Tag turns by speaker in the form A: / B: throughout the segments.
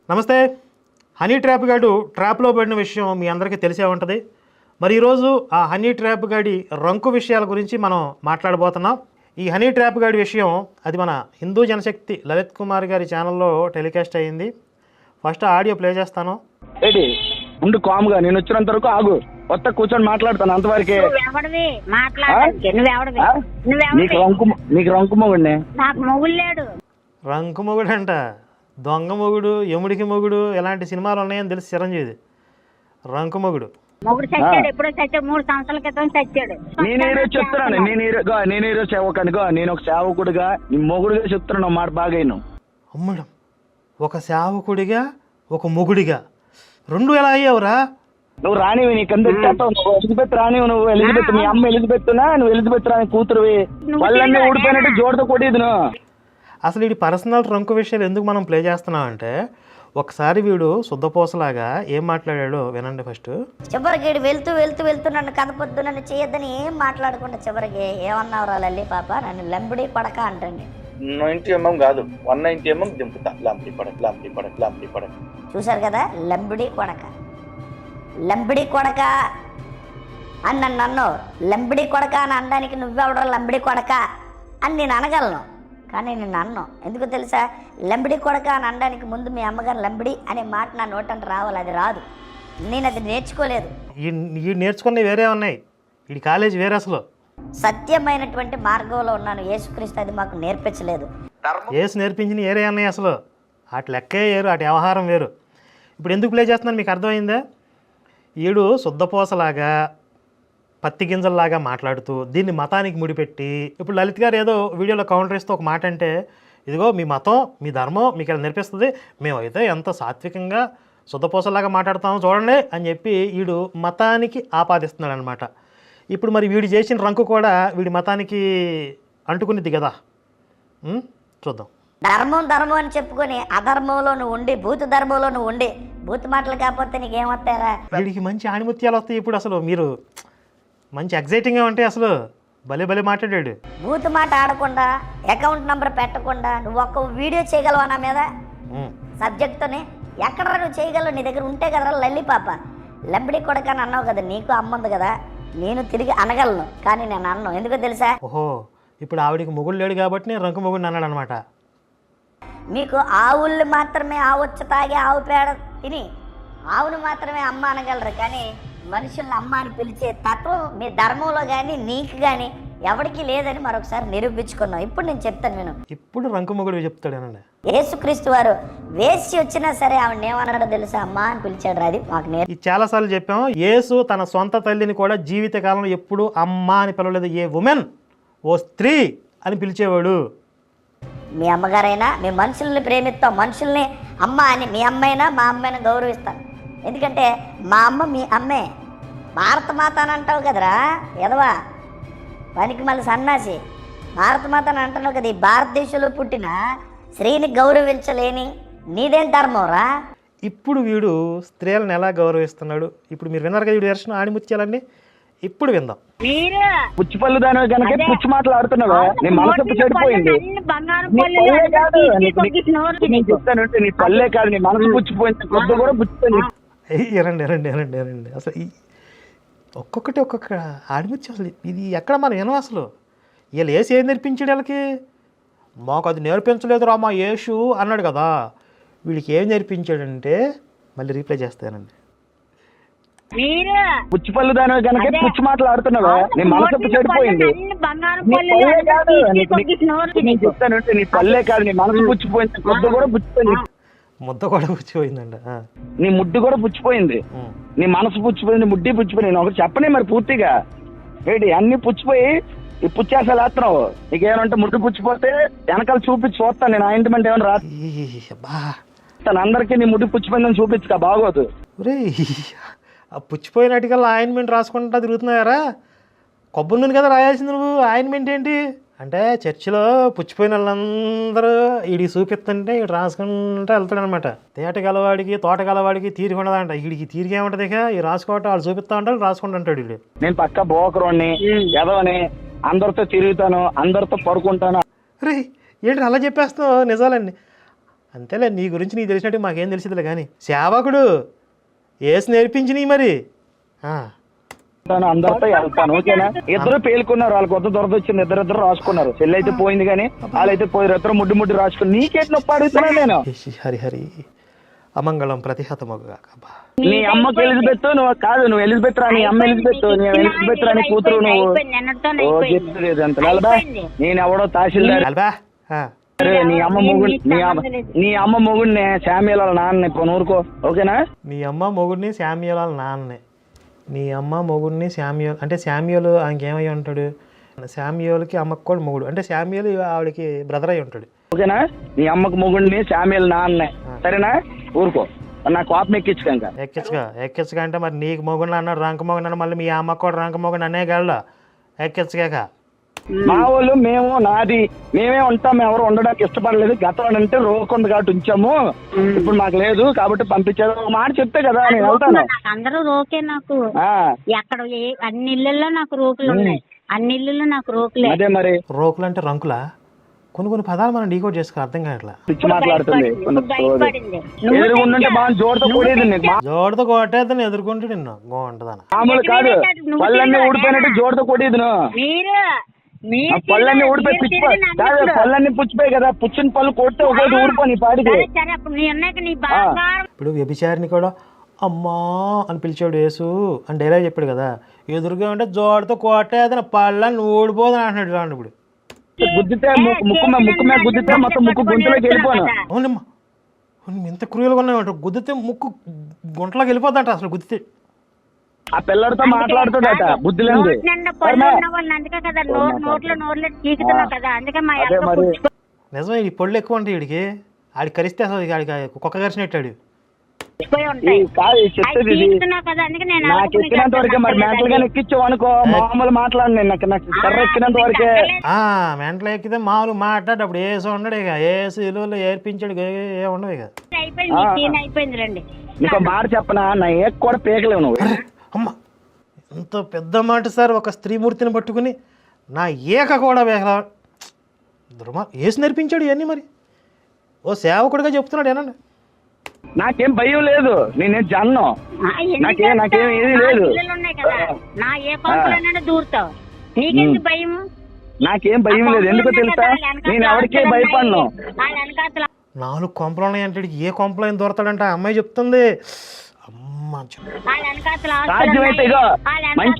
A: నమస్తే. Honey trap గాడు ట్రాప్లో పడిన విషయం మీ అందరికీ తెలిసే ఉంటుంది. మరి ఈరోజు ఆ హనీ ట్రాప్ గాడి రంకు విషయాల గురించి మనం మాట్లాడబోతున్నాం. ఈ హనీ ట్రాప్ గాడి విషయం అది మన హిందూ జనశక్తి లలిత్ కుమార్ గారి ఛానల్లో టెలికాస్ట్ అయ్యింది. ఫస్ట్ ఆడియో ప్లే చేస్తాను.
B: ఉండు కామ్గా, నేను వచ్చినంత వరకు ఆగు. కొత్త కూర్చొని మాట్లాడతాను అంతవరకే. నీకు రంకు మొగుడినే.
C: నాకు మొగుడు లేడు.
A: రంకు మొగుడు అంట, దొంగ మొగుడు, యముడికి మొగుడు, ఇలాంటి సినిమాలు ఉన్నాయని తెలిసి చిరంజీవి. రంకు మొగుడు
C: మొగుడు చచ్చాడు. ఎప్పుడో చచ్చాడు, 3 సంవత్సరాల క్రితం చచ్చాడు.
B: నేను ఈరోజు చెప్తున్నాను, నేను ఈరోజు సేవకునిగా, నేను ఒక సేవకుడిగా, నీ మొగుడుగా చెప్తున్నాను మాట బాగా.
A: అమ్మడం, ఒక సేవకుడిగా ఒక మొగుడిగా రెండు ఎలా అయ్యావురా?
B: నువ్వు రానివి, నీ కింద నువ్వు ఎలిజబెత్ రానివి. నువ్వు ఎలిజబెత్, మీ అమ్మ ఎలిజబెత్నా, నువ్వు ఎలిజబెత్ రాని కూతురువి. వాళ్ళన్నీ ఊడిపోయినట్టు జోడుతో కొట్టేది నువ్వు.
A: అసలు వీడి పర్సనల్ రంకు విషయాలు ఎందుకు మనం ప్లే చేస్తున్నాం అంటే, ఒకసారి వీడు శుద్ధపోసలాగా ఏం మాట్లాడాడో వినండి ఫస్ట్.
D: చివరికి వెళ్తూ వెళ్తూ వెళ్తూ నన్ను కదపొద్దు, నన్ను చేయొద్దని ఏం మాట్లాడకుండా చివరికి ఏమన్నావురా లల్లి పాప, నన్ను లంబడి పడక అంటండి.
E: 90 mm కాదు, 190 mm దింపుతా. లాంపి పడక, లాంపి పడక, లాంపి పడక.
D: చూసారు కదా, లంబడి కొడక, లంబడి కొడక అని నన్ను అన్నావు. లంబడి కొడక అని అనడానికి నువ్వెవడరా లంబడి కొడక అని నేను అనగలను, కానీ నేను అన్నాను. ఎందుకు తెలుసా? లంబడి కొడక అని అనడానికి ముందు మీ అమ్మగారు లంబడి అనే మాట నా నోటంటే రావాలి. అది రాదు, నేను అది నేర్చుకోలేదు.
A: ఈ నేర్చుకున్నవి వేరే ఉన్నాయి, ఈ కాలేజ్ వేరే. అసలు
D: సత్యమైనటువంటి మార్గంలో ఉన్నాను. యేసుక్రీస్తు అది మాకు నేర్పించలేదు.
A: యేసు నేర్పించిన వేరే అన్నాయి. అసలు అటు లెక్కే వేరు, అటు వ్యవహారం వేరు. ఇప్పుడు ఎందుకు ప్లే చేస్తున్నాను మీకు అర్థమైందా? ఈడు శుద్ధపోసలాగా పత్తి గింజల్లాగా మాట్లాడుతూ దీన్ని మతానికి ముడిపెట్టి, ఇప్పుడు లలిత్ గారు ఏదో వీడియోలో కౌంటర్ ఇస్తూ ఒక మాట అంటే, ఇదిగో మీ మతం, మీ ధర్మం మీకు ఇలా నేర్పిస్తుంది, మేమైతే ఎంత సాత్వికంగా శుద్ధపోసలాగా మాట్లాడుతామో చూడండి అని చెప్పి వీడు మతానికి ఆపాదిస్తున్నాడు అనమాట. ఇప్పుడు మరి వీడు చేసిన రంకు కూడా వీడి మతానికి అంటుకునిద్ది కదా. చూద్దాం.
D: ధర్మం ధర్మం అని చెప్పుకొని అధర్మంలో నువ్వు ఉండి, భూత ధర్మంలో నువ్వు ఉండి, భూత మాటలు కాకపోతే నీకేమొస్తారా?
A: వీడికి మంచి ఆణిముత్యాలు వస్తాయి. ఇప్పుడు అసలు మీరు మంచి ఎగ్జైటింగ్గా ఉంటాయి. అసలు భలే భలే మాట్లాడాడు.
D: భూత మాట ఆడకుండా, అకౌంట్ నంబర్ పెట్టకుండా నువ్వు ఒక్క వీడియో చేయగలవా నా మీద సబ్జెక్ట్తోనే? ఎక్కడ నువ్వు చేయగలవు? నీ దగ్గర ఉంటే కదరా లల్లి పాప. లంబడి కొడకని అన్నావు కదా, నీకు అమ్మ ఉంది కదా, నేను తిరిగి అనగలను, కానీ నేను అన్నాను. ఎందుకో తెలుసా?
A: ఓహో, ఇప్పుడు ఆవిడికి మొగుడు లేడు కాబట్టి నేను రంకు మొగుడిని అన్నాడు అనమాట.
D: మీకు ఆవుల్ని మాత్రమే, ఆవొచ్చు తాగి ఆవు పేడ తిని ఆవును మాత్రమే అమ్మ అనగలరు, కానీ మనుషుల్ని అమ్మ అని పిలిచే తత్వం మీ ధర్మంలో కానీ నీకు కానీ ఎవరికి లేదని మరొకసారి నిరూపించుకున్నాం. ఇప్పుడు నేను చెప్తాను విను.
A: ఇప్పుడు రంకు మొగుడు చెప్తాడేనండి.
D: యేసుక్రీస్తు వారు వేసి వచ్చినా సరే ఆవిడ ఏమన్నాడో తెలుసా? అమ్మ అని పిలిచాడు. అది మాకు
A: ఇది చాలాసార్లు చెప్పాము. యేసు తన సొంత తల్లిని కూడా జీవితకాలంలో ఎప్పుడు అమ్మ అని పిలవలేదు. ఏ ఉమెన్, ఓ స్త్రీ అని పిలిచేవాడు.
D: మీ అమ్మగారైనా, మీ మనుషుల్ని ప్రేమిస్తాం, మనుషుల్ని అమ్మ అని, మీ అమ్మైనా మా అమ్మాయిని గౌరవిస్తాను. ఎందుకంటే మా అమ్మ మీ అమ్మే. భారత మాత అని అంటావు కదరా ఎదవా, పనికి మళ్ళీ సన్నాసి. భారత మాత అని అంటున్నావు కదా. ఈ భారతదేశంలో పుట్టిన స్త్రీని గౌరవించలేని నీదేం ధర్మం రా?
A: ఇప్పుడు వీడు స్త్రీలను ఎలా గౌరవిస్తున్నాడు ఇప్పుడు మీరు విన్నారు కదా. వీడు దర్శనం ఆణిముత్యాలండి. ఇప్పుడు విందాం.
B: పుచ్చిపల్లి దాని కనుక పుచ్చి మాటలు ఆడుతున్నావా? నీ మనసు చెడిపోయింది. చెప్తానంటే నీ పల్లె కాదు, నీ మనసు పుచ్చిపోయింది. కొద్ది కూడా పుచ్చిపోయింది.
A: ఎరండి అసలు ఒక్కొక్కటి ఒక్కొక్క ఆడిముత్యం. అసలు ఇది ఎక్కడ మనం వినం. అసలు వీళ్ళు ఏసు ఏం నేర్పించాడు వీళ్ళకి? మాకు అది నేర్పించలేదు రా మా యేసు అన్నాడు కదా. వీడికి ఏం నేర్పించాడంటే, మళ్ళీ రీప్లై చేస్తానండి.
B: పుచ్చిపల్లి దాని కనుక పుచ్చి మాటలు ఆడుతున్నావా? నీ మనసు చెడిపోయింది. చెప్తానంటే నీ పల్లె కాదు, నీ మనసు పుచ్చిపోయింది. కొద్ది కూడా పుచ్చిపోయింది.
A: ముద్ద కూడా పుచ్చిపోయిందండి.
B: నీ ముడ్డు కూడా పుచ్చిపోయింది. నీ మనసు పుచ్చిపోయింది, ముడ్డి పుచ్చిపోయింది. నేను ఒకటి చెప్పనే మరి పూర్తిగా ఏంటి అన్ని పుచ్చిపోయి ఈ పుచ్చేసాలు వేస్తున్నావు. నీకేమంటే ముడ్డు పుచ్చిపోతే వెనకాల చూపించి చూస్తాను నేను. ఆయింట్మెంట్ ఏమైనా రాస్తాను అందరికీ. నీ ముడ్డు పుచ్చిపోయిందని చూపించుక బాగోదు.
A: రే, ఆ పుచ్చిపోయినట్టుకల్లా ఆయింట్మెంట్ రాసుకుంటా తిరుగుతున్నాయారా? కొబ్బరి నూనె కదా రాయాల్సింది నువ్వు. ఆయింట్మెంట్ ఏంటి అంటే చర్చిలో పుచ్చిపోయిన వాళ్ళందరూ వీడికి చూపిస్తుంటే వీడు రాసుకుంటూ వెళ్తాడనమాట. తేటగలవాడికి తోటగలవాడికి తీరిక ఉండదంట. వీడికి తీరిక ఏమంటది? ఇక ఈ రాసుకోవటం వాళ్ళు చూపిస్తా ఉంటాడు, రాసుకుంటూ ఉంటాడు వీడు.
B: నేను పక్క బోకరోని ఎదవని, అందరితో తిరుగుతాను, అందరితో పడుకుంటాను.
A: రే ఏంటి అలా చెప్పేస్తావు నిజాలండి? అంతేలే, నీ గురించి నీకు తెలిసినట్టు మాకేం తెలిసిందిలే కానీ సేవకుడు ఏసు నేర్పించినవి మరి.
B: అందరితో వెళ్తాను, ఓకేనా? ఇద్దరు పేలుకున్నారు, వాళ్ళకి కొత్త దొరద వచ్చింది, ఇద్దరు రాసుకున్నారు. చెల్లి అయితే పోయింది కానీ వాళ్ళైతే పోయారు, ఇద్దరు ముడ్డు రాసుకుని. నీకేటి నొప్పి అడుగుతున్నా నేను?
A: హరి అమంగళం ప్రతిహతమగుగాక.
B: నీ అమ్మకి ఎలిజబెత్, నువ్వు కాదు, నువ్వు ఎలిజబెత్ రా, నీ అమ్మ ఎలిజబెత్, నీ ఎలిజబెత్ రాని కూతురు నువ్వు. చెప్తుంది అంత నేను ఎవడో తహసీల్దార్. నీ అమ్మ మొగుడిని శామ్యుల్ వాళ్ళ నాన్న. ఇప్పుడు ఊరుకో, ఓకేనా?
A: నీ అమ్మ మొగుడిని శామ్యుల్ వాళ్ళ నాన్నే. నీ అమ్మ మొగుడిని శామ్యుల్ అంటే శామ్యుల్ ఆయనకేమై ఉంటాడు? శామ్యుల్కి అమ్మకు కూడా మొగుడు అంటే శామ్యుల్ ఆవిడకి బ్రదర్ అయి ఉంటాడు,
B: ఓకేనా? నీ అమ్మకు మొగుడిని శామ్యుల్ నాన్నే, సరేనా? ఊరుకో, నా కోపం ఎక్కించుక.
A: ఎక్కించగా అంటే మరి నీకు మొగుడిని అన్నాడు రంక మొగుడు అన్నాడు, మళ్ళీ మీ అమ్మకు కూడా రంక మొగుడు అనే గళ్ళ ఎక్కించగాక.
B: మా వాళ్ళు మేమే ఉంటాం, ఎవరు ఉండడానికి ఇష్టపడలేదు. గతం అంటే రోకుంది కాబట్టి ఉంచాము, ఇప్పుడు మాకు లేదు కాబట్టి పంపించారు. ఒక మాట చెప్తే కదా నేను వెళ్తాను.
C: అందరూ రోకే నాకు. ఎక్కడ అన్ని ఇళ్ళల్లో నాకు రోకులు ఉన్నాయి, అన్ని ఇళ్ళల్లో నాకు రోకులే.
B: అదే మరి
A: రోకులు అంటే రంకులా? కొన్ని పదాలు మనం డీకోడ్ చేసుకో, అర్థం కావట్లా.
B: పిచ్చి మాట్లాడుతుంది. ఎదురుకుంటుంటే బాగా జోడుతో కూడేది,
A: జోడుతో కొట్టేదని ఎదుర్కొంటే నిన్ను బాగుంటుందన్న.
B: మామూలు కాదు, పళ్ళన్నీ ఊడిపోయినట్టు జోడుతో కొట్టేది. పళ్ళన్నీ ఊడిపోయి పుచ్చిపోయి కాదు, పళ్ళన్నీ పుచ్చిపోయి కదా, పుచ్చిన పళ్ళు కొడితే ఒకటి ఊడిపోయి పాడికి.
A: ఇప్పుడు వ్యభిచారిని కూడా అమ్మా అని పిలిచాడు యేసు అని డైలాగ్ చెప్పాడు కదా, ఎదురుగా ఉంటే జోడుతో కొట్టేదని పళ్ళని ఊడిపోదని అంటున్నాడు చూడండి. ఇప్పుడు
B: గుద్దితే ముక్కు మీద గుద్దితే మొత్తం ముక్కు గుంటలోకి వెళ్ళిపోను.
A: అవునమ్మా, ఎంత క్రూయల్గా ఉన్నాయంట. గుద్దితే ముక్కు గుంటలోకి వెళ్ళిపోద్దంట అసలు గుద్దితే.
B: ఆ పిల్లడితో మాట్లాడుతాడట, బుద్ధి లేదు.
A: నిజమే, ఈ పళ్ళు ఎక్కువ ఉంటాయి వీడికి. ఆడికి కరిస్తే అసలు ఆడికి కుక్క కరిచినట్టాడు.
B: నాకు ఎక్కినంత వరకే, మరి మెంటల్ గా ఎక్కించావు అనుకో మామూలు మాట్లాడు. నాకు కర్ర ఎక్కినంత వరకే.
A: మెంటల్ ఎక్కితే మామూలు మాట్లాడు. అప్పుడు ఏసు ఉండడు ఇక, ఏసు ఇలువలు ఏర్పించాడు, ఏ ఉండవు ఇక.
B: నీకు మాట చెప్పనా, నా ఏక్ కూడా పీకలేవు నువ్వు.
A: అమ్మ ఎంత పెద్ద మాట సార్, ఒక స్త్రీమూర్తిని పట్టుకుని నా ఏక కూడా వేగలా. ఏసు నేర్పించాడు ఇవన్నీ మరి. ఓ సేవకుడిగా చెప్తున్నాడు ఏనండి.
B: నాకేం భయం లేదు, నేనేం జన్ను, నాకేం ఏది లేదు. నాకేం భయం లేదు, ఎందుకో తెలుసా? నేను ఎవరికే భయపడను.
A: 4 కొంపలు ఉన్నాయి అంటే ఏ కొంపలో ఏం దొరతాడంటే ఆ అమ్మాయి చెప్తుంది.
B: సాధ్యమైతే ఇగో మంచి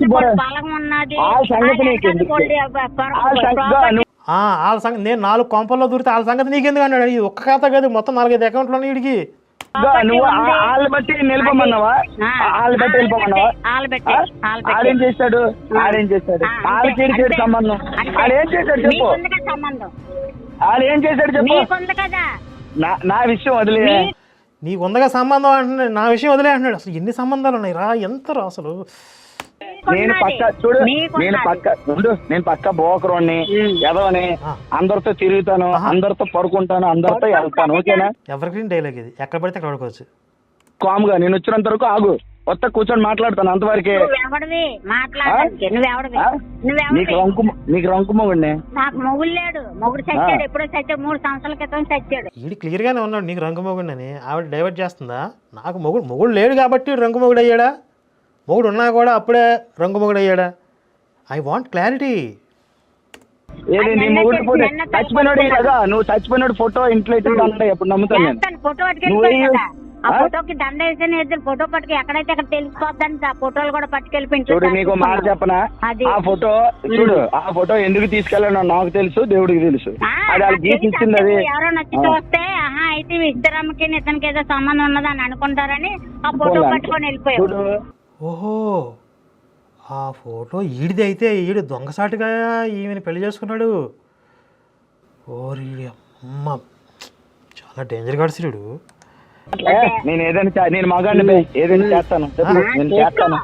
A: వాళ్ళ సంగతి నేను 4 కొంపల్లో దూరితే వాళ్ళ సంగతి నీకెందుకు అన్నాడు. ఇది ఒక్క ఖాతా కాదు, మొత్తం 4-5 అకౌంట్లు ఉన్నాయి వీడికి.
B: నువ్వు వాళ్ళ బట్టి నిలిపోమన్నావా? వాళ్ళ బట్టి వెళ్ళిపోమన్నావా? ఆడేం చేస్తాడు వాళ్ళకి సంబంధం? ఆడేం చేశాడు చెప్పు, ఆడేం చేశాడు చెప్పు. నా విషయం వదిలే.
A: నీకు ఉందగా సంబంధం అంటున్నాడు, నా విషయం వదిలే అంటున్నాడు. అసలు ఎన్ని సంబంధాలు ఉన్నాయి రా, ఎంత రా అసలు.
B: నేను పక్క బోకరోని ఎదవని, అందరితో తిరుగుతాను, అందరితో పడుకుంటాను, అందరితో వెళ్తాను, ఓకేనా?
A: ఎవరికి డైలాగ్ ఇది, ఎక్కడ పడితే అక్కడ పడుకోవచ్చు.
B: కామ్గా నేను వచ్చినంత వరకు ఆగు, కొత్త కూర్చొని మాట్లాడతాను అంతవరకే. నీకు రంకు మొగుడిని.
C: నాకు మొగుడు లేడు, మొగుడు చచ్చాడు, ఎప్పుడో చచ్చాడు, 3 సంవత్సరాల క్రితం చచ్చాడు.
A: వీడు క్లియర్ గానే ఉన్నాడు నీకు రంకు మొగుడిని అని. ఆవిడ డైవర్ట్ చేస్తుందా? నాకు మొగుడు లేడు కాబట్టి రంకు మొగుడు అయ్యాడా? మొగుడు ఉన్నా కూడా అప్పుడే రంగు మొగుడు అయ్యాడా? I want clarity.
B: ఏది నీ మొగుడు చచ్చిపోయినాడు కదా, నువ్వు చచ్చిపోయినాడు ఫోటో ఇంట్లో అంటే ఎప్పుడు నమ్ముతాను నేను.
C: ఫోటో పట్టుకెళ్ళిపోయి ఆ ఫోటోకి దండ వేసిన ఇద్దరు ఫోటో పట్టుకు ఎక్కడైతే అక్కడ తెలిసిపోద్దని ఆ ఫోటోలు కూడా పట్టుకెళ్ళిపోయి.
B: చూడు నీకు మాట చెప్పనా, ఆ ఫోటో చూడు, ఆ ఫోటో ఎందుకు తీసుకెళ్ళానో నాకు తెలుసు, దేవుడికి తెలుసు. అది వాళ్ళకి గీసి ఇచ్చింది. అది
C: ఎవరో నచ్చి చూస్తే అయితే ఇద్దరమ్మకి ఇతనికి ఏదో సంబంధం ఉన్నదని అనుకుంటారని ఆ ఫోటో పట్టుకొని వెళ్ళిపోయాడు.
A: ఓహో, ఆ ఫోటో ఈడిది అయితే ఈడు దొంగసాటుగా ఈమెను పెళ్లి చేసుకున్నాడు. ఓరి అమ్మ, చాలా డేంజర్ గాడు శ్రీడు.
B: నేను ఏదైనా నేను మగాడిని ఏదైనా చేస్తాను, నేను చేస్తాను.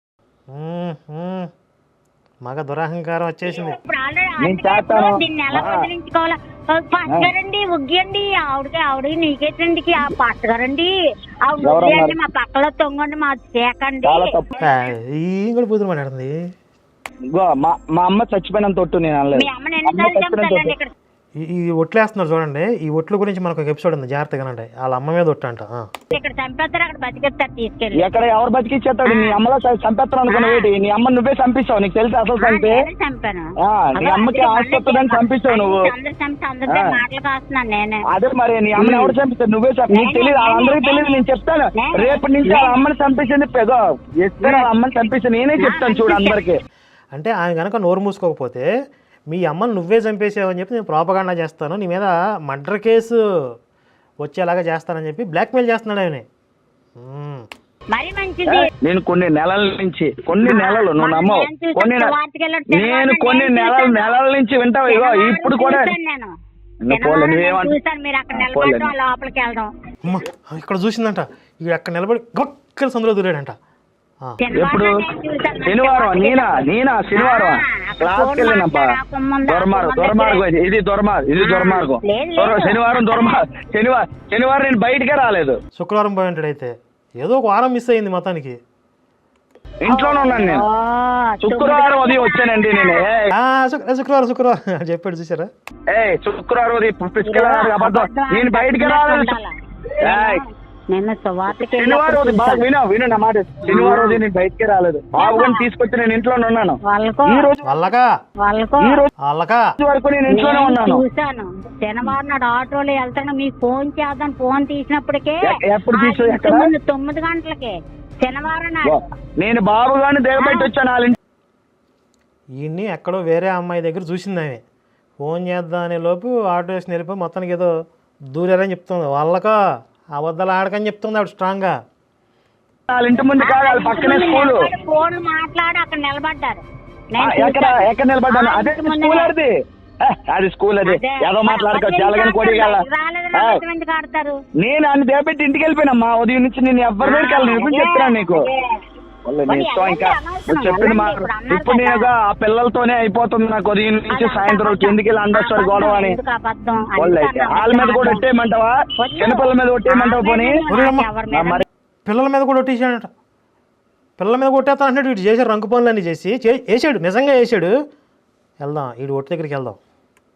A: మగ దురహంకారం వచ్చేసింది.
C: దీన్ని ఎలా వదిలించుకోవాలా? పాస్టర్ గారండి ఉగ్గియండి, ఆవిడ నీకేటండి ఆ పాస్టర్ గారండి, ఆవిడ మా పక్కలో తొంగండి, మా చేకండి.
A: ఈ కూడా పూతులు మాట్లాడుతుంది.
B: మా అమ్మ చచ్చిపోయినంత తొట్టు నేను అనలేదు.
C: మీ అమ్మని ఎన్నిసార్లు చంపుతాడండి ఇక్కడ?
A: ఈ ఒట్లు వేస్తున్నారు చూడండి, ఈ ఒట్ల గురించి మనకు ఒక ఎపిసోడ్ ఉంది, జాగ్రత్తగా వినండి. వాళ్ళ అమ్మ మీద ఒట్టు అంట.
C: ఇక్కడ చంపేస్తారు, అక్కడ బతికేస్తారు తీసుకెళ్ళి.
B: ఎక్కడ ఎవరు బతికిచ్చేస్తాడు? నీ అమ్మలో చంపేస్తాను అనుకున్నావు ఏంటి? నీ అమ్మ నువ్వే చంపిస్తావు, నీకు తెలిసి అసలు సంగతి.
C: చంపాను.
B: నీ అమ్మకి ఆసుపత్రిని చంపిస్తావు నువ్వు.
C: అందరు చంపి అందరితో మాటలు కాస్తున్నాను నేనే.
B: అదే మరి నీ అమ్మని ఎవరు చంపిస్తావు? నువ్వే నీకు తెలియదు, వాళ్ళందరికీ తెలియదు. నేను చెప్తాను రేపటి నుంచి వాళ్ళ అమ్మని చంపేసింది పెదో ఎక్కడ వాళ్ళ అమ్మని చంపేసి నేనే చెప్తాను చూడు అందరికి.
A: అంటే ఆమె కనుక నోరు మూసుకోకపోతే మీ అమ్మని నువ్వే చంపేసావని చెప్పి నేను ప్రాపగాండా చేస్తాను, నీ మీద మర్డర్ కేసు వచ్చేలాగా చేస్తానని చెప్పి బ్లాక్మెయిల్ చేస్తున్నాడు ఆయన.
C: మరి మంచిది.
B: నేను కొన్ని నెలల నుంచి నువ్వు నమ్మవు, నేను కొన్ని నెలల నుంచి వింటావు. ఇగో ఇప్పుడు కూడా
C: చూసాను మీరు అక్కడ నిలబడడం, లోపలికి వెళ్ళడం.
A: ఇక్కడ చూసిందంట, ఇక్కడ అక్కడ నిలబడి గొక్కల సందులో దూరాడంట.
B: ఎప్పుడు? శనివారం. నేనా శనివారం క్లాస్కి వెళ్ళినప్పా. దుర్మార్గం ఇది దుర్మార్గం. శనివారం నేను బయటకే రాలేదు.
A: శుక్రవారం పోయి ఉంటాడు. అయితే ఏదో ఒక వారం మిస్ అయింది మొత్తానికి.
B: ఇంట్లోనే ఉన్నాను నేను. శుక్రవారం ఉదయం వచ్చానండి నేను.
A: శుక్రవారం చెప్పాడు చూసారా?
B: శుక్రవారం ఉదయం అబద్ధం, నేను బయటకే రాలేదు. శనివారం విను నా మాట. శనివారం రోజు నేను బయటకే రాలేదు. బాబుని తీసుకొచ్చి నేను ఇంట్లోనే ఉన్నాను. ఈ రోజు వరకు నేను ఇంట్లోనే ఉన్నాను.
C: చూసాను శనివారం నాడు ఆటోలో వెళ్తాను, మీకు ఫోన్ చేద్దాం. ఫోన్ తీసినప్పటికే
B: ఎప్పుడు తీసు?
C: 9 గంటలకే శనివారం నాడు
B: నేను బాబు గారిని దిగబెట్టి వచ్చాను.
A: ఈయన్ని ఎక్కడో వేరే అమ్మాయి దగ్గర చూసింది ఆమె. ఫోన్ చేద్దాం అనే లోపు ఆటో వేసి వెళ్ళిపోయి మొత్తానికి ఏదో దూరారని చెప్తుంది. వాళ్ళకా అబద్ధాలు ఆడకని చెప్తుంది ఆవిడ స్ట్రాంగ్ గా.
B: వాళ్ళ ఇంటి ముందు కాదు, వాళ్ళ పక్కనే స్కూల్.
C: ఫోన్ మాట్లాడి అక్కడ నిలబడ్డారు.
B: ఎక్కడ నిలబడ్డాను? అదే స్కూల్. అది స్కూల్. అది ఏదో మాట్లాడుకోవచ్చు. ఎలాగని కొడిగల నేను అన్ని దేపెట్టి ఇంటికి వెళ్ళిపోయినమ్మా. ఉదయం నుంచి నేను ఎవరి దగ్గరికి వెళ్ళను. చెప్తున్నాను నీకు ఇంకా చెప్పింది మా. ఇప్పుడు నేను ఆ పిల్లలతోనే అయిపోతుంది నాకు. ఉదయం నుంచి సాయంత్రం ఎందుకు వెళ్ళి అందరు గొడవ అని. వాళ్ళైతే వాళ్ళ మీద కూడా ఒట్టేయమంటావా? చిన్నపిల్లల మీద ఒట్టేయమంటావా? పోనీ
A: పిల్లల మీద కూడా ఒట్టేసాడట. పిల్లల మీద కొట్టేస్తా అంటే వీడు చేశాడు రంగు పనులు అన్నీ చేసి వేసాడు. నిజంగా వేసాడు. వెళ్దాం, వీడు ఒట్టి దగ్గరికి వెళ్దాం.